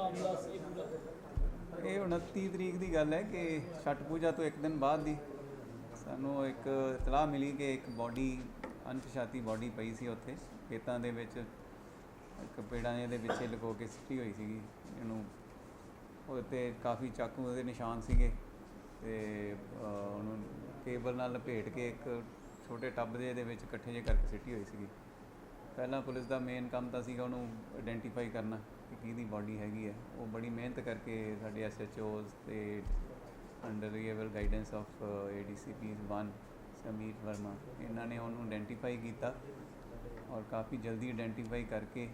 ਮਾਮਲਾ ਸੀ ਪੂਰਾ? ਇਹ 29 ਤਰੀਕ ਦੀ ਗੱਲ ਹੈ ਕਿ ਛਠ ਪੂਜਾ ਤੋਂ ਇੱਕ ਦਿਨ ਬਾਅਦ ਦੀ ਸਾਨੂੰ ਇੱਕ ਇਤਲਾਹ ਮਿਲੀ ਕਿ ਇੱਕ ਬੋਡੀ ਅਣਪਛਾਤੀ ਬੋਡੀ ਪਈ ਸੀ ਉੱਥੇ ਖੇਤਾਂ ਦੇ ਵਿੱਚ, ਇੱਕ ਪੇੜਾਂ ਦੇ ਪਿੱਛੇ ਲੁਕੋ ਕੇ ਸਿੱਟੀ ਹੋਈ ਸੀਗੀ ਇਹਨੂੰ। ਉਹਦੇ 'ਤੇ ਕਾਫੀ ਚਾਕੂ ਦੇ ਨਿਸ਼ਾਨ ਸੀਗੇ ਅਤੇ ਉਹਨੂੰ ਕੇਬਲ ਨਾਲ ਲਪੇਟ ਕੇ ਇੱਕ ਛੋਟੇ ਟੱਬ ਦੇ ਵਿੱਚ ਇਕੱਠੇ ਜਿਹੇ ਕਰਕੇ ਸਿੱਟੀ ਹੋਈ ਸੀਗੀ। ਪਹਿਲਾਂ ਪੁਲਿਸ ਦਾ ਮੇਨ ਕੰਮ ਤਾਂ ਸੀਗਾ ਉਹਨੂੰ ਆਇਡੈਂਟੀਫਾਈ ਕਰਨਾ ਕਿ ਕਿਹਦੀ ਬਾਡੀ ਹੈਗੀ ਹੈ। ਉਹ ਬੜੀ ਮਿਹਨਤ ਕਰਕੇ ਸਾਡੇ SHOs ਅਤੇ under guidance of ADCP 1 Sameer Verma, ਇਹਨਾਂ ਨੇ ਉਹਨੂੰ ਆਇਡੈਂਟੀਫਾਈ ਕੀਤਾ ਔਰ ਕਾਫੀ ਜਲਦੀ ਆਇਡੈਂਟੀਫਾਈ ਕਰਕੇ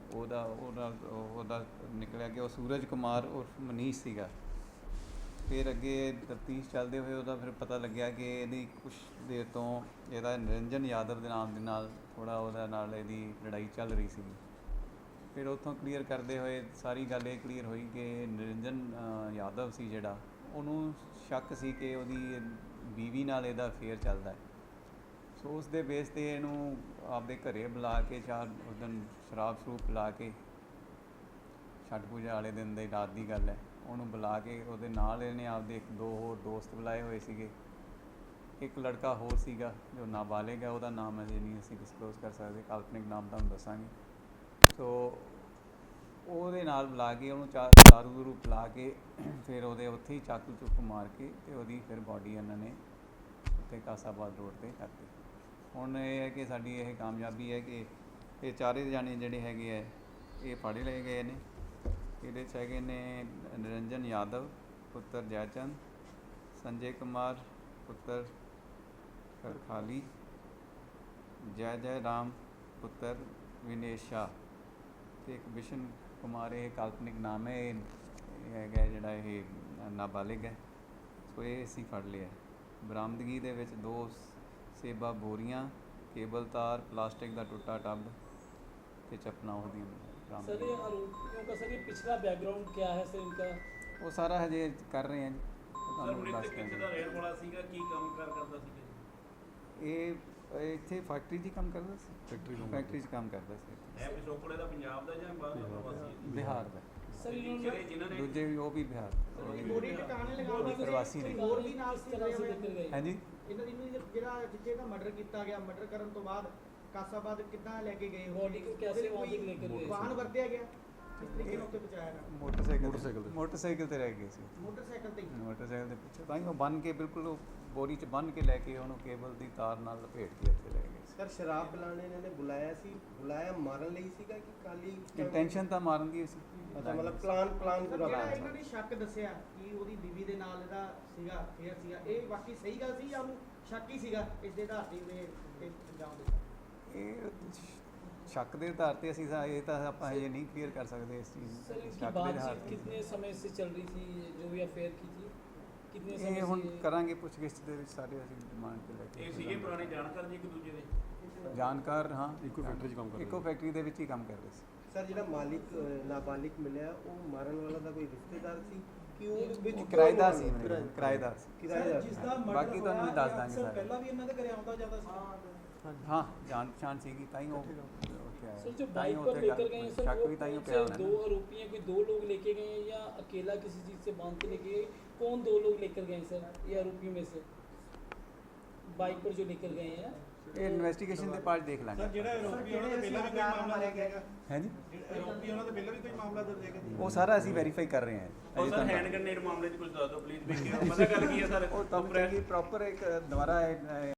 ਉਹਦਾ ਨਿਕਲਿਆ ਕਿ ਉਹ ਸੂਰਜ ਕੁਮਾਰ ਉਰਫ ਮਨੀਸ਼ ਸੀਗਾ। ਫਿਰ ਅੱਗੇ ਤਫਤੀਸ਼ ਚੱਲਦੇ ਹੋਏ ਉਹਦਾ ਫਿਰ ਪਤਾ ਲੱਗਿਆ ਕਿ ਇਹਦੀ ਕੁਛ ਦੇਰ ਤੋਂ ਇਹਦਾ ਨਿਰੰਜਨ ਯਾਦਵ ਦੇ ਨਾਮ ਦੇ ਨਾਲ ਥੋੜ੍ਹਾ ਉਹਦਾ ਨਾਲ ਇਹਦੀ ਲੜਾਈ ਚੱਲ ਰਹੀ ਸੀਗੀ। ਫਿਰ ਉੱਥੋਂ ਕਲੀਅਰ ਕਰਦੇ ਹੋਏ ਸਾਰੀ ਗੱਲ ਇਹ ਕਲੀਅਰ ਹੋਈ ਕਿ ਨਿਰੰਜਨ ਯਾਦਵ ਸੀ ਜਿਹੜਾ, ਉਹਨੂੰ ਸ਼ੱਕ ਸੀ ਕਿ ਉਹਦੀ ਬੀਵੀ ਨਾਲ ਇਹਦਾ ਅਫੇਅਰ ਚੱਲਦਾ ਹੈ। ਸੋ ਉਸ ਦੇ ਬੇਸ 'ਤੇ ਇਹਨੂੰ ਆਪਦੇ ਘਰੇ ਬੁਲਾ ਕੇ ਉਸ ਦਿਨ ਸ਼ਰਾਬ ਸ਼ਰੂਬ ਪਿਲਾ ਕੇ, ਛਠ ਪੂਜਾ ਵਾਲੇ ਦਿਨ ਦੀ ਰਾਤ ਦੀ ਗੱਲ ਹੈ, ਉਹਨੂੰ ਬੁਲਾ ਕੇ ਉਹਦੇ ਨਾਲ ਇਹਨੇ ਆਪਦੇ ਇੱਕ ਦੋ ਹੋਰ ਦੋਸਤ ਬੁਲਾਏ ਹੋਏ ਸੀਗੇ। ਇੱਕ ਲੜਕਾ ਹੋਰ ਸੀਗਾ ਜੋ ਨਾਬਾਲਿਗ ਹੈ, ਉਹਦਾ ਨਾਮ ਅਜੇ ਨਹੀਂ ਅਸੀਂ ਡਿਸਕਲੋਜ਼ ਕਰ ਸਕਦੇ, ਕਾਲਪਨਿਕ ਨਾਮ ਤੁਹਾਨੂੰ ਦੱਸਾਂਗੇ। ਸੋ ਉਹਦੇ ਨਾਲ ਬੁਲਾ ਕੇ ਉਹਨੂੰ ਦਾਰੂ ਦੂਰੂ ਪਿਲਾ ਕੇ ਫਿਰ ਉਹਦੇ ਉੱਥੇ ਹੀ ਚਾਕੂ ਚੁੱਕ ਮਾਰ ਕੇ ਅਤੇ ਉਹਦੀ ਫਿਰ ਬਾਡੀ ਇਹਨਾਂ ਨੇ ਉੱਥੇ ਕਾਸਾਬਾਦ ਰੋਡ 'ਤੇ ਕਰਤੀ। ਹੁਣ ਇਹ ਹੈ ਕਿ ਸਾਡੀ ਇਹ ਕਾਮਯਾਬੀ ਹੈ ਕਿ ਇਹ ਚਾਰੇ ਜਾਣੇ ਜਿਹੜੇ ਹੈਗੇ ਹੈ ਇਹ ਫੜ ਲਏ ਗਏ ਨੇ। ਇਹਦੇ 'ਚ ਹੈਗੇ ਨੇ ਨਿਰੰਜਨ ਯਾਦਵ ਪੁੱਤਰ ਜੈਚੰਦ, ਸੰਜੇ ਕੁਮਾਰ ਪੁੱਤਰ ਕਰਖਾਲੀ, ਜੈ ਰਾਮ ਪੁੱਤਰ ਵਿਨੇਸ਼ ਸ਼ਾਹ ਅਤੇ ਇੱਕ ਬਿਸ਼ਨ ਕੁਮਾਰ, ਇਹ ਕਾਲਪਨਿਕ ਨਾਮ ਹੈ। ਇਹ ਹੈਗਾ ਜਿਹੜਾ ਇਹ ਨਾਬਾਲਿਗ ਹੈ। ਸੋ ਇਹ ਅਸੀਂ ਫੜ ਲਿਆ। ਬਰਾਮਦਗੀ ਦੇ ਵਿੱਚ 2 ਸੇਬਾ ਬੋਰੀਆਂ, ਕੇਬਲ ਤਾਰ, ਪਲਾਸਟਿਕ ਦਾ ਟੁੱਟਾ ਟੱਬ ਅਤੇ ਚੱਪਲਾਂ ਉਹਦੀਆਂ ਬਰਾਮਦ। सर ये आरोपियों का सर ये पिछला बैकग्राउंड क्या है सर इनका? ਉਹ ਸਾਰਾ ਹਜੇ ਕਰ ਰਹੇ ਹਾਂ ਜੀ, ਤੁਹਾਨੂੰ ਦੱਸ ਕਿੱਥੇ ਦਾ ਰਹਿਣ ਵਾਲਾ ਸੀਗਾ, ਕੀ ਕੰਮ ਕਰਦਾ ਸੀਗਾ? ਇਹ ਇੱਥੇ ਫੈਕਟਰੀ 'ਚ ਕੰਮ ਕਰਦਾ ਸੀ। ਫੈਕਟਰੀ 'ਚ ਕੰਮ ਕਰਦਾ ਸੀ। ਹੈ ਪਿਛੋਕੜੇ ਦਾ ਪੰਜਾਬ ਦਾ ਜਾਂ ਬਾਹਰ ਦਾ ਪ੍ਰਵਾਸੀ? ਬਿਹਾਰ ਦਾ। सर इन्होंने ਜਿਨ੍ਹਾਂ ਨੇ ਦੂਜੇ ਵੀ ਉਹ ਵੀ ਬਿਹਾਰ ਬੋਡੀ ਟਿਕਾਣੇ ਲਗਾਉਣ ਪ੍ਰਵਾਸੀ ਨੇ। ਹੋਰ ਵੀ ਨਾਲ ਸੀ तरह से लेकर गए? ਹਾਂਜੀ, ਇਹਨਾਂ ਦੀ ਜਿਹੜਾ ਜਿੱਥੇ ਦਾ ਮਰਡਰ ਕੀਤਾ ਗਿਆ, ਮਰਡਰ ਕਰਨ ਤੋਂ ਬਾਅਦ ਕਾਸਾਬਾਦ ਕਿੱਦਾਂ ਲੈ ਕੇ ਗਏ? बॉडी को कैसे वहाँ तक लेकर गए? ਵਾਹਨ ਵਰਤਿਆ ਗਿਆ, ਕਿਸ ਤਰੀਕੇ ਨਾਲ ਉੱਤੇ ਪਹੁੰਚਾਇਆ ਗਿਆ? ਮੋਟਰਸਾਈਕਲ ਤੇ ਰਹਿ ਗਏ ਸੀ। ਮੋਟਰਸਾਈਕਲ ਤੇ ਹੀ। ਮੋਟਰਸਾਈਕਲ ਦੇ ਪਿੱਛੇ ਤਾਂ ਹੀ ਉਹ ਬੰਨ੍ਹ ਕੇ ਬਿਲਕੁਲ ਉਹ ਬੋਰੀ 'ਚ ਬੰਨ੍ਹ ਕੇ ਲੈ ਕੇ ਉਹਨੂੰ ਕੇਬਲ ਦੀ ਤਾਰ ਨਾਲ ਲਪੇਟ ਕੇ ਉੱਥੇ ਲੈ ਗਏ ਸੀ। ਸਰ ਸ਼ਰਾਬ ਪਿਲਾਣੇ ਇਹਨਾਂ ਨੇ ਬੁਲਾਇਆ ਸੀ, ਬੁਲਾਇਆ ਮਾਰਨ ਲਈ ਸੀਗਾ ਕਿ ਖਾਲੀ ਇੰਟੈਂਸ਼ਨ ਤਾਂ ਮਾਰਨ ਦੀ ਸੀ। ਅੱਛਾ, ਮਤਲਬ ਪਲਾਨ ਸਰ, ਪੂਰਾ ਜਿਹੜਾ ਬਣਾਇਆ ਇਹਨਾਂ ਨੇ ਸ਼ੱਕ ਦੱਸਿਆ ਕਿ ਉਹਦੀ ਬੀਵੀ ਦੇ ਨਾਲ ਇਹਦਾ ਸੀਗਾ ਫੇਅਰ ਸੀਗਾ, ਇਹ ਬਾਕੀ ਸਹੀ ਗੱਲ ਸੀ ਜਾਂ ਉਹਨੂੰ ਸ਼ੱਕ ਹੀ ਸੀਗਾ ਇਸ ਦੇ ਆਧਾਰ ਤੇ ਇਹ ਅੰਜਾਮ ਦਿੱਤਾ? ਇਹ ਸ਼ੱਕ ਦੇ ਆਧਾਰ 'ਤੇ ਅਸੀਂ ਇਹ ਤਾਂ ਆਪਾਂ ਹਜੇ ਨਹੀਂ ਕਲੀਅਰ ਕਰ ਸਕਦੇ ਇਸ ਚੀਜ਼ सर ਨੂੰ। इनकी ਸ਼ੱਕ ਦੇ ਆਧਾਰ बातचीत 'ਤੇ कितने समय से चल रही थी जो भी अफेयर की थी? कितने ਇਹ समय ਹੁਣ से? ਕਰਾਂਗੇ ਪੁੱਛਗਿੱਛ ਦੇ ਵਿੱਚ ਸਾਰੇ ਅਸੀਂ ਡਿਮਾਂਡ ਤੇ ਲੈ ਇਹ ਕੇ ਸੀਗੇ ਪੁਰਾਣੇ ਜਾਣਕਾਰ ਜੀ ਇੱਕ ਦੂਜੇ ਦੇ? ਜਾਣਕਾਰ। ਹਾਂ, ਇੱਕੋ ਫੈਕਟਰੀ 'ਚ ਕੰਮ ਕਰਦੇ ਇੱਕੋ ਫੈਕਟਰੀ ਦੇ ਵਿੱਚ ਹੀ ਕੰਮ ਕਰਦੇ ਸੀ। ਸਰ ਜਿਹੜਾ ਮਾਲਿਕ ਨਾਬਾਲਿਗ ਮਿਲਿਆ ਉਹ ਮਾਰਨ ਵਾਲਾ ਦਾ ਕੋਈ ਰਿਸ਼ਤੇਦਾਰ ਸੀ ਕਿ ਉਹ ਵਿੱਚ ਉਹ ਕਿਰਾਏਦਾਰ ਸੀ, ਕਿਰਾਏਦਾਰ ਸੀ। ਕਿਰਾਏਦਾਰ ਜਿਸ ਸੀ। ਦਾ ਮਰਡਰ ਬਾਕੀ ਤੁਹਾਨੂੰ ਹੋਇਆ, ਦੱਸ ਦਾਂਗੇ ਅਕਸਰ ਸਾਰੇ। ਪਹਿਲਾਂ ਵੀ ਇਹਨਾਂ ਦੇ ਘਰੇ ਆਉਂਦਾ ਜਾਂਦਾ ਸੀ। ਹਾਂ, ਜਾਣ ਪਛਾਣ ਸੀਗੀ ਤਾਂ ਹੀ ਉਹ ਉੱਥੇ ਆਇਆ। सर जो ਤਾਂ ਹੀ बाइक पर ਉੱਥੇ लेकर गए हैं सर ਸ਼ੱਕ वो ਵੀ ਤਾਂ ਹੀ कौन ਪਿਆ से ਹੋਣਾ 2 ਨਾ। आरोपी हैं? कोई 2 लोग लेके गए हैं या अकेला किसी चीज से बांध के लेके गए? कौन 2 लोग लेकर गए हैं सर ये आरोपियों में से बाइक पर जो लेकर गए हैं? ਇਹ ਇਨਵੈਸਟੀਗੇਸ਼ਨ ਦੇ ਪਾਰਟ ਦੇਖ ਲਾਂਗੇ। ਜਿਹੜਾ ਆਰੋਪੀ ਉਹਨਾਂ ਦੇ ਪਹਿਲਾਂ ਵੀ ਕੋਈ ਮਾਮਲਾ ਲੈ ਕੇ ਆਏਗਾ? ਹੈ ਜੀ, ਆਰੋਪੀ ਉਹਨਾਂ ਦੇ ਪਹਿਲਾਂ ਵੀ ਕੋਈ ਮਾਮਲਾ ਦਰਜ ਹੈਗਾ? ਉਹ ਸਾਰਾ ਅਸੀਂ ਵੈਰੀਫਾਈ ਕਰ ਰਹੇ ਹਾਂ। ਉਹ ਸਰ ਹੈਂਡ ਗ੍ਰੇਨੇਡ ਮਾਮਲੇ 'ਚ ਕੁਝ ਦੱਸ ਦਿਓ ਪਲੀਜ਼। ਪਤਾ ਗੱਲ ਕੀ ਹੈ ਸਰ? ਉਹ ਤਾਂ ਪ੍ਰੋਪਰ ਇੱਕ ਦੁਬਾਰਾ